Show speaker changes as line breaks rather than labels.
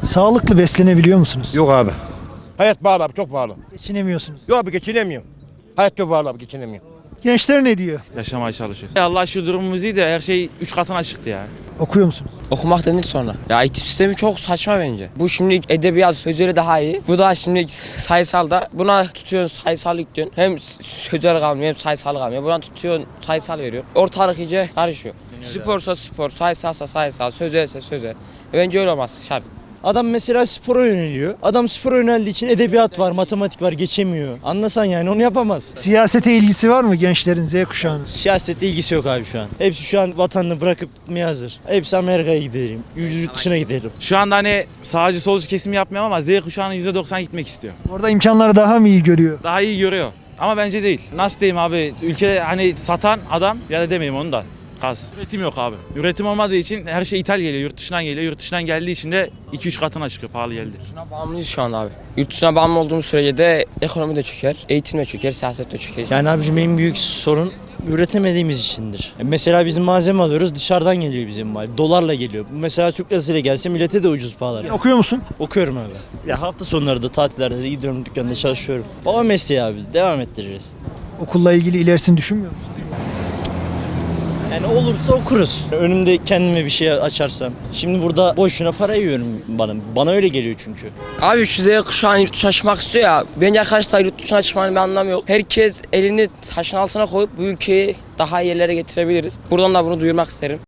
Sağlıklı beslenebiliyor musunuz?
Yok abi. Hayat pahalı abi, çok pahalı.
Geçinemiyorsunuz.
Yok abi, geçinemiyorum. Hayat çok pahalı abi, geçinemiyorum.
Gençler ne diyor?
Yaşamaya çalışıyoruz. Allah şu durumumuz iyi de her şey 3 katına çıktı ya.
Okuyor musunuz?
Okumak denir sonra. Ya eğitim sistemi çok saçma bence. Bu şimdi edebiyat sözleri daha iyi. Bu da şimdi sayısal da. Buna tutuyorsun sayısal yüklüyorsun. Hem sözel kalmıyor hem sayısal kalmıyor. Buna tutuyorsun sayısal veriyor. Ortalık iyice karışıyor. Sporsa spor, sayısalsa sayısal, sözelse sözel. Bence öyle olmaz şart.
Adam mesela spora yöneliyor. Adam spora yöneldiği için edebiyat var, matematik var, geçemiyor. Anlasan yani onu yapamaz.
Siyasete ilgisi var mı gençlerin, Z kuşağının?
Siyasetle ilgisi yok abi şu an. Hepsi şu an vatanını bırakıp gitmeye hazır. Hepsi Amerika'ya gidelim, yurt dışına gidelim.
Şu anda hani sağcı solcu kesim yapmıyorum ama Z kuşağının %90 gitmek istiyor.
Orada imkanları daha mı iyi görüyor?
Daha iyi görüyor. Ama bence değil. Nasıl diyeyim abi? Ülkede hani satan adam ya da demeyeyim onu da. Gaz. Üretim yok abi. Üretim olmadığı için her şey ithal geliyor, yurt dışından geliyor. Yurt dışından geldiği için de 2-3 katına çıkıyor, pahalı geldi.
Yurt dışına bağımlıyız şu an abi. Yurt dışına bağımlı olduğumuz sürece de ekonomi de çöker, eğitim de çöker, siyaset de çöker.
Yani abicim en büyük sorun üretemediğimiz içindir. Mesela bizim malzeme alıyoruz, dışarıdan geliyor bizim mal. Dolarla geliyor. Mesela Türk lirasıyla gelse millete de ucuz pahalar.
Okuyor musun?
Okuyorum abi. Ya hafta sonları da tatillerde de gidiyorum, dükkanda çalışıyorum. Baba mesleği abi, devam ettiririz.
Okulla ilgili ilerisini düşünmüyor musun?
Yani olursa okuruz. Önümde kendime bir şey açarsam. Şimdi burada boşuna para yiyorum bana. Bana öyle geliyor çünkü.
Abi şu Z kuşağını yurt dışına çıkmak istiyor ya. Bence arkadaşlar yurt dışına çıkmanın bir anlamı yok. Herkes elini taşın altına koyup bu ülkeyi daha iyi yerlere getirebiliriz. Buradan da bunu duyurmak isterim.